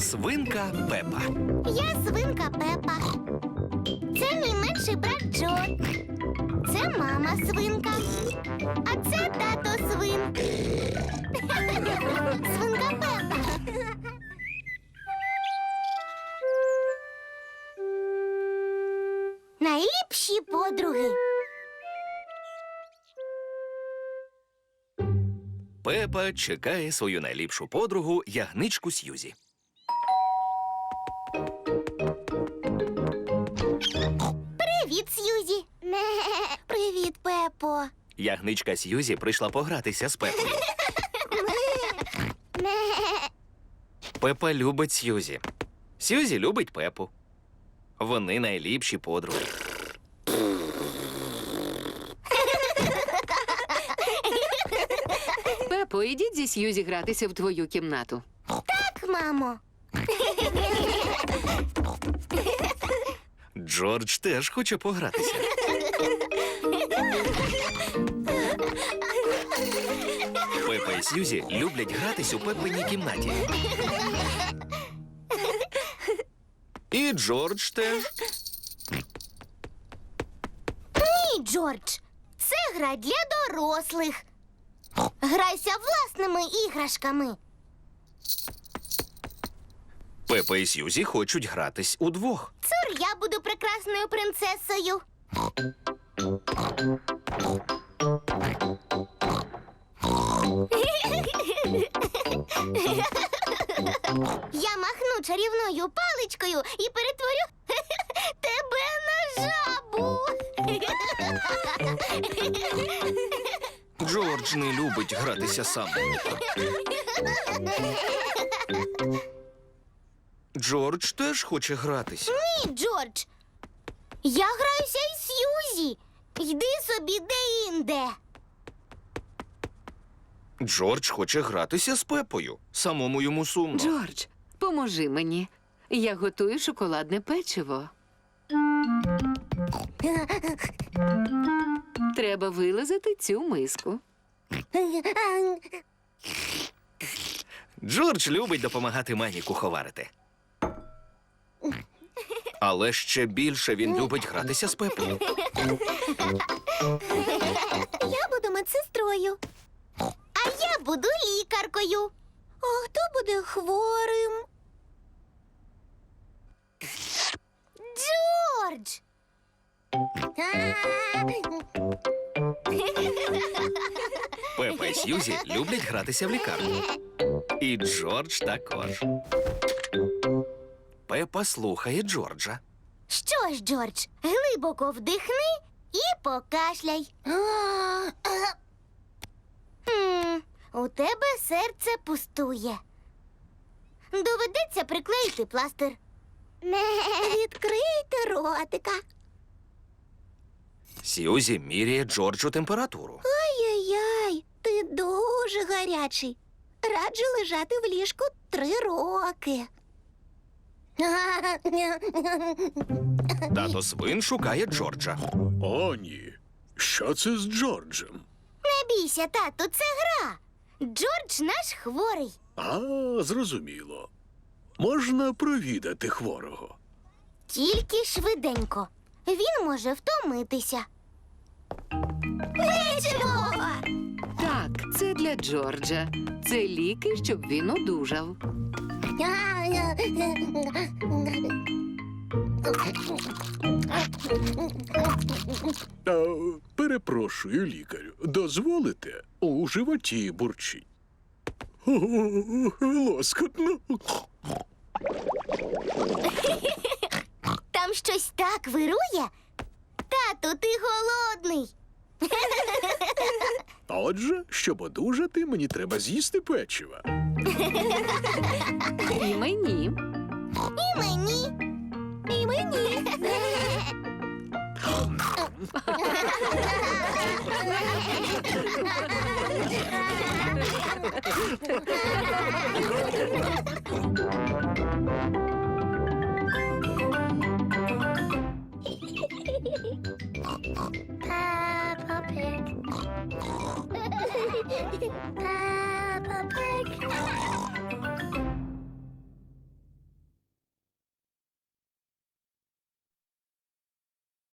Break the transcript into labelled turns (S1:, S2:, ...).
S1: Свинка Пепа.
S2: Я свинка Пепа. Це мій менший брат Джо. Це мама свинка. А це тато свин. Свинка Пепа. Найліпші подруги.
S1: Пепа чекає свою найліпшу подругу ягничку Сьюзі.
S2: Привіт, Сьюзі. Привіт, Пепо.
S1: Ягничка Сьюзі прийшла погратися з Пепою. Пепа любить Сьюзі. Сьюзі любить Пепу. Вони найліпші подруги.
S3: Пепо, ідіть зі Сьюзі гратися в твою кімнату.
S2: Так, мамо.
S1: Джордж теж хоче погратися. Пепа і Сьюзі люблять гратись у Пепиній кімнаті. І Джордж теж.
S2: Ні, Джордж. Це гра для дорослих. Грайся власними іграшками.
S1: Пепа і Сьюзі хочуть гратись удвох.
S2: Цур, я буду прекрасною принцесою. Я махну чарівною паличкою і перетворю тебе на жабу.
S1: Джордж не любить гратися сам. Джордж теж хоче гратись.
S2: Ні, Джордж. Я граюся із Сьюзі. Йди собі де-інде.
S1: Джордж хоче гратися з Пепою. Самому йому сумно.
S3: Джордж, поможи мені. Я готую шоколадне печиво. Треба вилизати цю миску.
S1: Джордж любить допомагати мамі куховарити. Але ще більше він любить гратися з Пепою.
S2: Я буду медсестрою. А я буду лікаркою. А хто буде хворим? Джордж!
S1: Пепа і Сьюзі люблять гратися в лікарні. І Джордж також. Пепа слухає Джорджа.
S2: Що ж, Джордж, глибоко вдихни і покашляй. У тебе серце пустує. Доведеться приклеїти пластир. Відкрийте ротика.
S1: Сьюзі міряє Джорджу температуру.
S2: Ай-яй-яй, ти дуже гарячий. Раджу лежати в ліжку 3 роки.
S1: Тато свин шукає Джорджа.
S4: О, ні. Що це з Джорджем?
S2: Не бійся, тату, це гра. Джордж наш хворий.
S4: А, зрозуміло. Можна провідати хворого.
S2: Тільки швиденько. Він може втомитися. Печиво!
S3: Так, це для Джорджа. Це ліки, щоб він одужав.
S4: Перепрошую, лікарю. Дозволите? У животі бурчить. Лоскотно.
S2: Там щось так вирує. Тату, ти голодний.
S4: Отже, щоб одужати, мені треба з'їсти печива.
S3: І мені.
S2: І мені. І мені.